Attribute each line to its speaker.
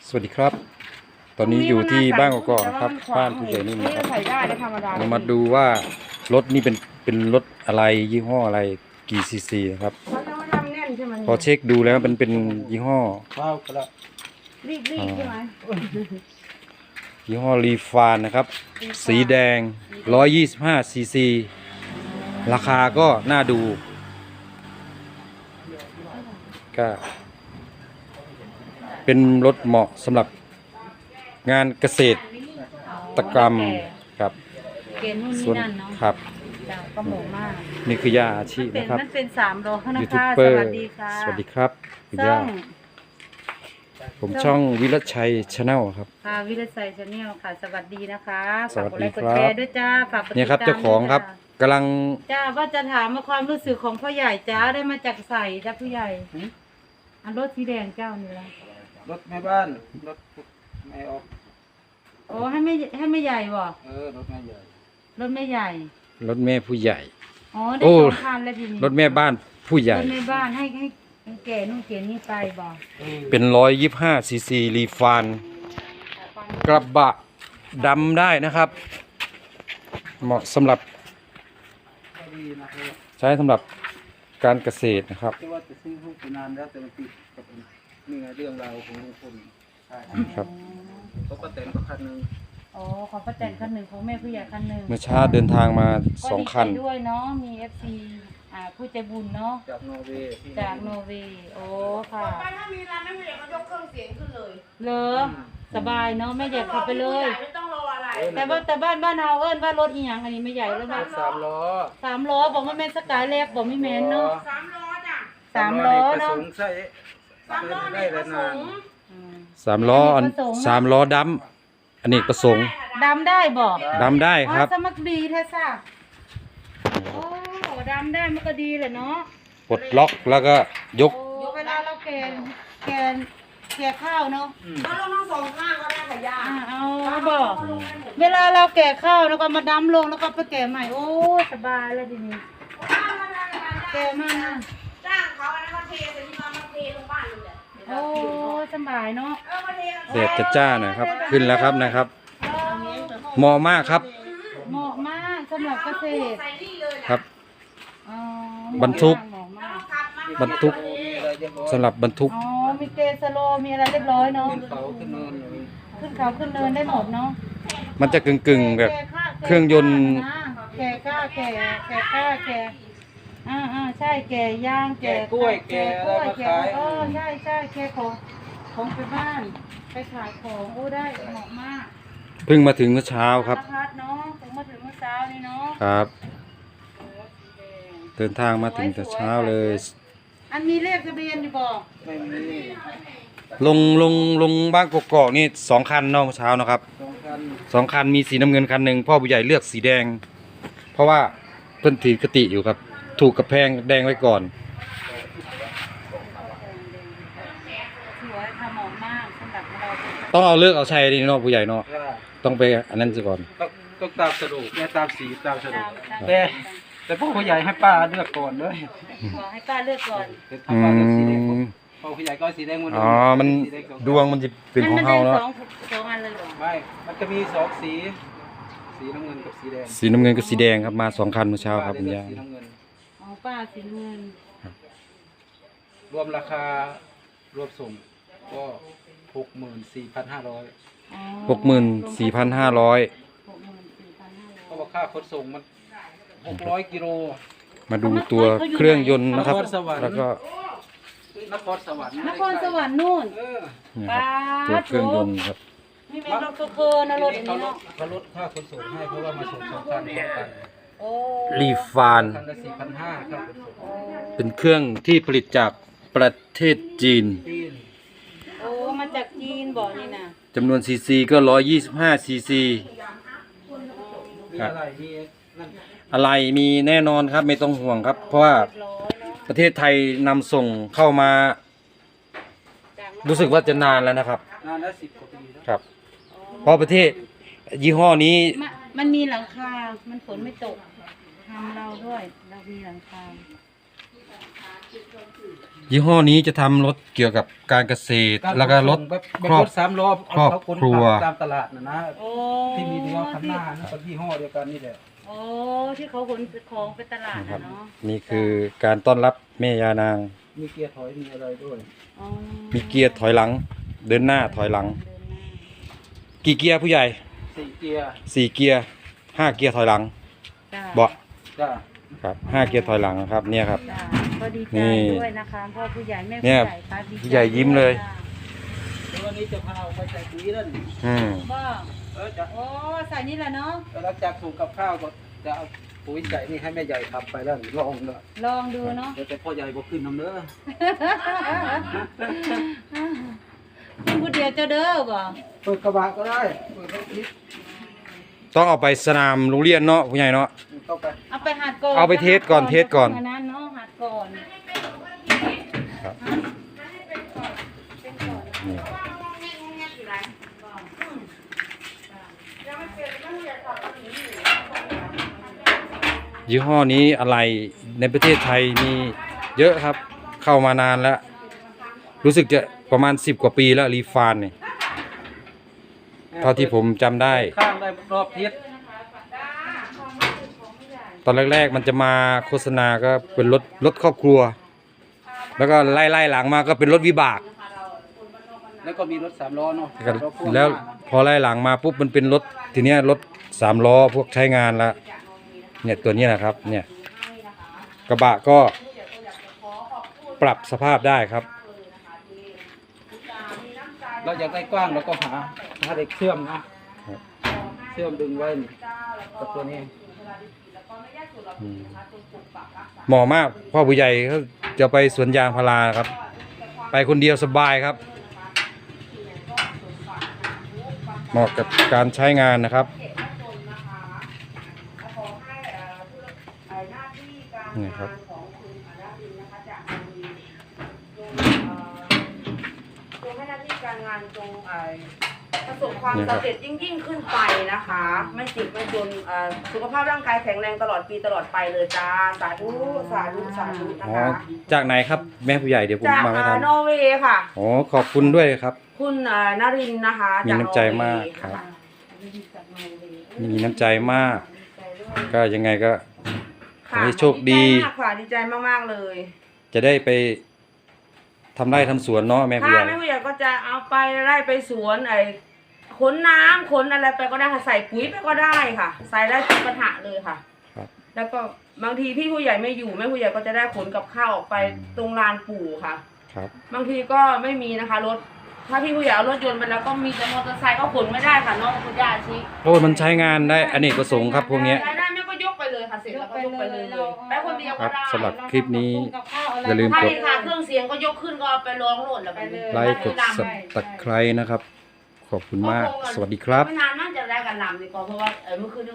Speaker 1: สวัสดีครับ ตอนนี้อยู่ที่บ้านกอกๆนะครับบ้านผู้ใหญ่นิ่มนะครับ
Speaker 2: ใส่ได้ธรรมดา
Speaker 1: เรามาดูว่ารถนี่เป็นรถอะไรยี่ห้ออะไรกี่ซีซีนะครับ
Speaker 2: เขาจะมาทำแน่นใช่ไหม
Speaker 1: พอเช็คดูแล้วมันเป็นยี่ห้อ
Speaker 3: ว้าวกระ
Speaker 2: รีบใช่ไหม
Speaker 1: ยี่ห้อรีฟานนะครับ สีแดง125ซีซีราคาก็น่าดูก็เป็นรถเหมาะสำหรับงานเกษตรกรรมครับ
Speaker 2: เกณฑ์นู่น
Speaker 1: ส่วน
Speaker 2: นี่นั่นเนาะ
Speaker 1: ครับ
Speaker 2: จ้ะก็เหมาะมาก
Speaker 1: นี่คือยาอาชีพนะครับ
Speaker 2: มันเป็น3โลนะ
Speaker 1: ยูทูบ
Speaker 2: คะ
Speaker 1: เบอ
Speaker 2: ส
Speaker 1: ร์
Speaker 2: วัสดีค่ะ
Speaker 1: สวัสดีครับคุณ
Speaker 2: ช่
Speaker 1: ย่า
Speaker 2: อง
Speaker 1: ผมช่องวิรัชชัยชาแนลครับ
Speaker 2: ค่ะวิรชัยชาแนลค่ะ สวัสดีนะคะ
Speaker 1: สวัสดี
Speaker 2: ฝากกดไลค์กดแช
Speaker 1: ครับ
Speaker 2: ร์ด้วยจ้าฝากกดติดตาม
Speaker 1: เนี่ยครับเจ้าของครับ
Speaker 2: ด้วย
Speaker 1: กำลัง
Speaker 2: จ้าว่าจะถามว่าความรู้สึกของพ่อใหญ่จ้าได้มาจากใส่จ้าผู้ใหญ่อันรถสีแดงเจ้านี่ละ
Speaker 3: รถแม่บ้านรถแม่ออก
Speaker 2: โอ้ให้ไม่ใหญ่บ่
Speaker 3: รถแม่ใหญ่
Speaker 2: รถไม่ใหญ่
Speaker 1: รถแม่ผู้ใหญ่
Speaker 2: อ๋อได้
Speaker 1: โอ้
Speaker 2: 2 คันแล้วทีนี้
Speaker 1: รถแม่บ้านผู้ใหญ่
Speaker 2: รถในบ้านให้แก่นู่นแก่นี่ไปบอก
Speaker 1: เป็น125ซีซีรีฟานกระบะดำได้นะครับ เหมาะสำหรับ
Speaker 3: ก็ดีนะครับ
Speaker 1: ใช้สำหรับการเกษตรนะครับ
Speaker 3: ที่ว่าจะซื้อพวกไปนานแล้วแต่มันติดกับนี่ไงเรื่องราวของลุงพลใช่
Speaker 1: ครับ
Speaker 3: เขาก็แต่งก็คันหนึง
Speaker 2: อ๋อของป้าแตนคันหนึ่งของแม่ผู้ใหญ่คันหนึ่ง
Speaker 1: เมื่อเช้าเดินทางมา2คัน
Speaker 2: ก็ดีใจด้วยเนาะมี FC ผู้ใจบุญเนาะ
Speaker 3: จากนอร์เวย์ที่
Speaker 2: จากโนเวย์โอ้ค่ะ
Speaker 4: ถ้ามีร้านแม่ใหญ่เขายกเครื่องเสียงขึ้นเลย
Speaker 2: เลอสบายเนาะแม่ใหญ่เข้าไปเลย
Speaker 4: ไม่ต้องรออะไร
Speaker 2: แต่บ้านเฮาเอิ้นว่ารถอีหยังอันนี้ไม่ใหญ่แล้วว่า
Speaker 3: 3 ล้อ
Speaker 2: 3 ล้อบอกว่าแม่นสกายแลกบอกไม่แม่นเนาะ
Speaker 4: 3 ล้อจ้ะ
Speaker 2: 3 ล้อเนาะ
Speaker 3: กระสุใส่
Speaker 4: 3 ล้อ
Speaker 3: ได้
Speaker 4: เด็ก
Speaker 3: แล้
Speaker 4: ผ
Speaker 3: ว
Speaker 4: ส
Speaker 3: นาน
Speaker 4: ม
Speaker 2: อืม
Speaker 1: 3ล้ออัน3ล้อดำอันนี้ประสงค์
Speaker 2: ดำได้บอก
Speaker 1: ดำได้ครับ
Speaker 2: สมัครดีแท้ซ่ะโอ้ดำได้มันก็ดีแหละเนาะ
Speaker 1: ปลดล็อกแล้วก็ยก
Speaker 2: โอ้เวลาเราแกะข้าวเนาะ
Speaker 4: เราลงทั้ง2 ข้างก็ได้ค่ะย่า
Speaker 2: เอาบอกเวลาเราแกะข้าวแล้วก็มาดำลงแล้วก็ไปแกะใหม่โอ้สบายแล้วทีนี้แกะมา
Speaker 4: จ้างเขาอันนั้นเขาเทแต่ที่มาเทลงบ้านเลยแหละ
Speaker 2: โอ้สบายเนาะ
Speaker 4: มาเท
Speaker 1: เสียดจ้าหน่อยครับ ขึ้นแล้วครับนะครับ เหมาะมากครับ
Speaker 2: เหมาะมากสำหรับเกษตร
Speaker 4: ใส่นี่เลยนะครับ
Speaker 2: อ๋อบ
Speaker 1: รรทุก
Speaker 2: เหมาะมาก
Speaker 4: ขับมา
Speaker 1: บรรทุก
Speaker 3: มีอะไรเรียบร้อย
Speaker 1: สำหรับบรรทุก
Speaker 2: อ๋อมีเกสโลมีอะไรเรียบร้อยเนาะ
Speaker 3: ขึ้นเขาขึ้นเนินเลย
Speaker 2: ขึ้นเขาขึ้นเนินได้หมดเนาะ
Speaker 1: มันจะกึ่งๆแบบเครื่องยนต์
Speaker 2: แก่ข้าแก่ใช่แก่ย่างแก่กล้วยแก่ใช่แก่ของไปบ้านไปขายของโอ้ได้เหมาะมาก
Speaker 1: เพิ่งมาถึงเมื่อเช้าครับ
Speaker 2: พัดเนาะถึงมาถึงเมื่อเช้านี้เนาะ
Speaker 1: ครับ
Speaker 2: โอ้สีแดง
Speaker 1: เดินทางมาถึงแต่เช้าเลย
Speaker 2: อันมีเลขทะเบียนอยู่บอก
Speaker 3: ไม่มี
Speaker 1: ลงบ้านกกอกนี่2 คันเนาะเมื่อเช้านะครับ
Speaker 3: 2 คัน
Speaker 1: 2 คันมีสีน้ำเงินคันหนึ่งพ่อผู้ใหญ่เลือกสีแดง เพราะว่าเพิ่นถือกติอยู่ครับ ถูกกับแพงแดงไว้ก่อน
Speaker 2: สวยค่ะเหมาะมากสำหรับเราเป็น
Speaker 1: ต้องเอาเลือกเอาชัยดีเนาะผู้ใหญ่เนาะ
Speaker 3: ก็
Speaker 1: ต้องไปอันนั้นซะก่อน
Speaker 3: ต้องตามสะดวกเนี่ยตามสีตามสะดวกแต่พวกผู้ใหญ่ให้ป้าเลือกก่อนเลย
Speaker 2: ขอให้ป้าเลือกก่อน
Speaker 3: เดี๋ยว
Speaker 1: อื
Speaker 3: ทำป้าเลือกสีแดง
Speaker 1: ม
Speaker 3: พอผู้ใหญ่ก็เอาสีแดงหมดเลย
Speaker 1: อ๋อมันดวงมันจะเป็นของเฮาเนาะ
Speaker 2: สองอันเลยเหรอ
Speaker 3: ไม่มันจะมี2 สีสีน้ำเงินกับสีแดง
Speaker 1: สีน้ำเงินกับสีแดงครับมา2 คันเมื่อเช้าครับคุณย่า
Speaker 3: สีน้ำเงิน
Speaker 2: อ๋อป้าสีเงิน
Speaker 3: รวมราคารวมส่งก็64,500
Speaker 2: อ๋อ
Speaker 1: 64,500
Speaker 3: เพราะว่าค่าขนส่งมัน600 กิโล
Speaker 1: มาดูตัวเครื่องยนต์นะครับ
Speaker 3: นครสวรรค์
Speaker 1: แล้วก็
Speaker 3: นครสวรรค์
Speaker 2: นครสวรรค์นู่น
Speaker 1: เนี่ยครับตัวเครื่องยนต์ครับ
Speaker 2: นี่เป็นรถเคอร์นะรถอันนี้เนาะ
Speaker 3: เขาลดค่าขนส่งให้เพราะว่ามาส่ง2 คันพร้อมกัน
Speaker 2: โอ้
Speaker 1: รีฟาน
Speaker 3: คันละ4,500ค่าขนส่ง
Speaker 1: เป็นเครื่องที่ผลิตจากประเทศจีน
Speaker 3: จีน
Speaker 2: โอ้มาจากจีนบอกนี่นะ
Speaker 1: จำนวนซีซีก็125ซีซี
Speaker 3: มีอะไรมีนั่น
Speaker 1: อะไรมีแน่นอนครับไม่ต้องห่วงครับ เพราะว่า
Speaker 2: เรียบร้อยเนาะ
Speaker 1: ประเทศไทยนำส่งเข้ามา
Speaker 2: จากนค
Speaker 1: รู้สึกว่าจะนานแล้วนะครับ
Speaker 3: นานแล้ว10 กว่าปีแล้ว
Speaker 1: ครับ เพราะประเทศยี่ห้อนี้
Speaker 2: มันมีหลังคา มันฝนไม่ตกทำเราด้วย เรามีหลังคา
Speaker 1: ยี่ห้อนี้จะทำรถเกี่ยวกับการเกษตร แล้วก็รถ
Speaker 3: แบบ
Speaker 1: ครอบ
Speaker 3: รถสามล้อ
Speaker 1: ครอบ
Speaker 3: เขาขน
Speaker 1: ครัว
Speaker 3: ตามตลาดนะ
Speaker 2: โอ้
Speaker 3: ที่มีเดียวข้างหน้านะก็ยี่ห้อเดียวกันนี่แหละ
Speaker 2: โอ้ที่เขาขนของไปตลาด
Speaker 1: นะครับ
Speaker 2: นะเนาะ
Speaker 1: นี่คือการต้อนรับแม่ยานาง
Speaker 3: มีเกียร์ถอยมีอะไรด้วย
Speaker 2: อ๋อ
Speaker 1: มีเกียร์ถอยหลัง เดินหน้าถอยหลัง
Speaker 2: เดินหน้า
Speaker 1: กี่เกียร์ผู้ใหญ่
Speaker 3: 4 เกียร์
Speaker 1: 4 เกียร์ 5 เกียร์ถอยหลัง
Speaker 2: จ้า
Speaker 1: เบาะ
Speaker 3: จ้า
Speaker 1: ครับ5 เกียร์ถอยหลังนะครับเนี่ยครับ
Speaker 2: จ้าก็ดีใจ
Speaker 1: นี่
Speaker 2: ด้วยนะคะพ่อผู้ใหญ่แม่
Speaker 1: เนี่
Speaker 2: ผู้
Speaker 1: ย
Speaker 2: ใหญ่ครับดีใจ
Speaker 1: ผู้ใหญ่ยิ้มเลย
Speaker 2: จ้า
Speaker 3: แล้ววันนี้จะพาเอาไปใส่ปุ๋ยนั่น
Speaker 1: อืม
Speaker 2: บ้า
Speaker 3: จะ
Speaker 2: โอ้ใส่นี่แหละเนาะ
Speaker 3: หลังจากปลูกกับข้าวก็จะเอาปุ๋ยใส่นี่ให้แม่ใหญ่ทำไปแล้วลองเลย
Speaker 2: ลองดูเนาะ
Speaker 3: เดี๋ยวแต่พ่อใหญ่บอกขึ้นน้ำเนื้อ
Speaker 2: กินผู้เดียวเจ้าเด้อบ่
Speaker 3: เปิดกระบะก็ได้เปิดรถนิด
Speaker 1: ต้องเอาไปสนามโรงเรียนเนาะผู้ใหญ่เนาะ
Speaker 3: ต้องไป
Speaker 2: เอาไปหัดก่อน
Speaker 1: เอาไปเทสก่อนเทสก่อน
Speaker 2: อันนั้นเนาะหัดก่อน
Speaker 1: ครับนี่ยี่ห้อนี้อะไรในประเทศไทยมีเยอะครับ เข้ามานานแล้ว รู้สึกจะประมาณ10 กว่าปีแล้วรีฟานเนี่ยเท่าที่ผมจำได้
Speaker 3: ข้างได้รอบทิศ
Speaker 1: ตอนแรกๆมันจะมาโฆษณาก็เป็นรถครอบครัว แล้วก็ไล่หลังมาก็เป็นรถวิบาก
Speaker 3: แล้วก็มีรถ3 ล้อเนาะรถพ่ง
Speaker 1: แล้วพอไล่หลังมาปุ๊บมันเป็นรถทีเนี้ยรถ3 ล้อพวกใช้งานแล้วเนี่ยตัวนี้นะครับเนี่ยกระบะก็ปรับสภาพได้ครับ
Speaker 3: เราอยากได้กว้างเราก็หาเด็กเชื่อมนะเชื่อมดึงไว้นี่กับตัวนี้
Speaker 1: เหมาะมากพ่อผู้ใหญ่เขาจะไปสวนยางพาราครับ ไปคนเดียวสบายครับ เหมาะกับการใช้งานนะครับนี่ครับ
Speaker 4: จงให้หน้าที่การงานจงประสบความสำเร็จยิ่งขึ้นไปนะคะ ไม่จิตไม่จนสุขภาพร่างกายแข็งแรงตลอดปีตลอดไปเลยจ้าสาธุสาธุสาธุนะ
Speaker 1: อ๋อ
Speaker 4: คะ
Speaker 1: จากไหนครับแม่ผู้ใหญ่เดี๋ยวผม
Speaker 4: จาก
Speaker 1: มาไม่ทัน
Speaker 4: นอร์เวย์ค่ะ
Speaker 1: อ๋อขอบคุณด้วยครับ
Speaker 4: คุณนรินทร์นะคะ
Speaker 1: มีน้ำใจมากครับ มีน้ำใจมาก ก็ยังไงก็ขอให้โชคดี
Speaker 4: มากค่ะดีใจมากๆเลย
Speaker 1: จะได้ไปทำไร่ทำสวนเนาะแม่ผู้
Speaker 4: ถ้า
Speaker 1: ใหญ่
Speaker 4: แม่ผู้ใหญ่ก็จะเอาไปไล่ไปสวนขนน้ำขนอะไรไปก็ได้ค่ะใส่ปุ๋ยไปก็ได้ค่ะ ใส่ได้ทุกกระถะเลยค่ะ
Speaker 1: ครับ
Speaker 4: แล้วก็บางทีพี่ผู้ใหญ่ไม่อยู่แม่ผู้ใหญ่ก็จะได้ขนกับข้าวออกไปตรงลานปู่ค่ะ
Speaker 1: ครับ
Speaker 4: บางทีก็ไม่มีนะคะรถถ้าพี่ผู้ใหญ่เอารถยนต์ไปแล้วก็มีแต่มอเตอร์ไซค์ก็ขนไม่ได้ค่ะน้องคุณย่าชี้
Speaker 1: โอ้มันใช้งานได้อเนกประสงค์ครับพวกเนี้ย
Speaker 4: ได้แม่ก็ยกไปเลยค่ะเสร็จแล้วก็ยกไปเลยไปคนเดียว
Speaker 1: ครั
Speaker 4: ก็
Speaker 1: บ
Speaker 4: ได้
Speaker 1: สำหรับคลิปนี้
Speaker 2: กับข้าวอะไร
Speaker 1: อย่าลืม
Speaker 4: ใช่
Speaker 1: กด
Speaker 4: ค่ะเครื่องเสียงก็ยกขึ้นก็เอาไปร้องโหลดแล้วไปเลย
Speaker 1: ไลค์กดสับตะไคร้นะครับ ขอบคุณมาก สวัสดีครับ
Speaker 4: ไม่นานน่าจะได้กันลำดีกว่าเพราะว่าเมื่อคืน